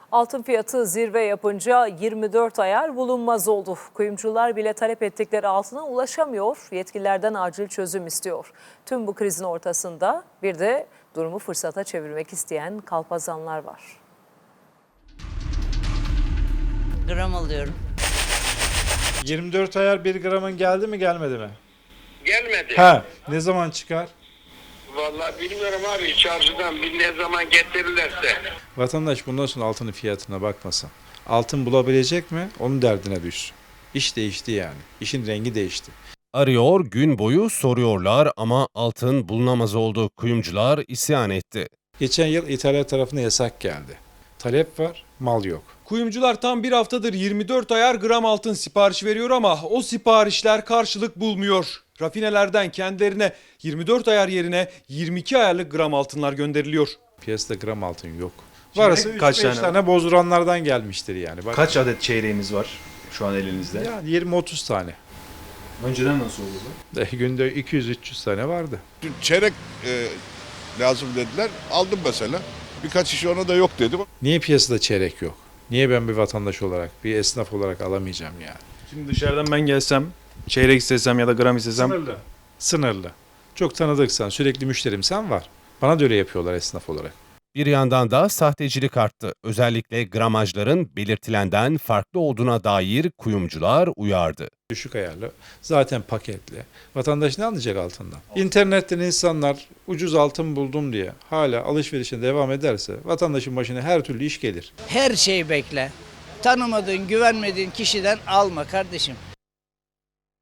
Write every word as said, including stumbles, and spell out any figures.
Altın fiyatı zirve yapınca yirmi dört ayar bulunmaz oldu. Kuyumcular bile talep ettikleri altına ulaşamıyor, yetkililerden acil çözüm istiyor. Tüm bu krizin ortasında bir de durumu fırsata çevirmek isteyen kalpazanlar var. Gram alıyorum. yirmi dört ayar bir gramın geldi mi gelmedi mi? Gelmedi. Ha, ne zaman çıkar? Vallahi bilmiyorum abi, çarşıdan bir ne zaman getirirlerse. Vatandaş bundan sonra altının fiyatına bakmasın. Altın bulabilecek mi? Onun derdine düşsün. İş değişti yani. İşin rengi değişti. Arıyor, gün boyu soruyorlar ama altın bulunamaz oldu. Kuyumcular isyan etti. Geçen yıl İtalya tarafına yasak geldi. Talep var, mal yok. Kuyumcular tam bir haftadır yirmi dört ayar gram altın siparişi veriyor ama o siparişler karşılık bulmuyor. Rafinelerden kendilerine yirmi dört ayar yerine yirmi iki ayarlık gram altınlar gönderiliyor. Piyasada gram altın yok. Çeyrek Varsa üç kaç beş tane tane bozduranlardan gelmiştir yani. Bak, Kaç adet çeyreğiniz var şu an elinizde? yani yirmi otuz tane. Önceden nasıl oldu bu? E, günde iki yüz üç yüz tane vardı. Dün çeyrek e, lazım dediler. Aldım mesela. Birkaç kişi ona da yok dedi. Niye piyasada çeyrek yok? Niye ben bir vatandaş olarak, bir esnaf olarak alamayacağım yani? Şimdi dışarıdan ben gelsem, çeyrek istesem ya da gram istesem Sınırlı. Sınırlı. Çok tanıdıksan, sürekli müşterimsen var. Bana da öyle yapıyorlar esnaf olarak. Bir yandan da sahtecilik arttı. Özellikle gramajların belirtilenden farklı olduğuna dair kuyumcular uyardı. Düşük ayarlı, zaten paketli. Vatandaş ne anlayacak altından? İnternetten insanlar ucuz altın buldum diye hala alışverişine devam ederse vatandaşın başına her türlü iş gelir. Her şeyi bekle. Tanımadığın, güvenmediğin kişiden alma kardeşim.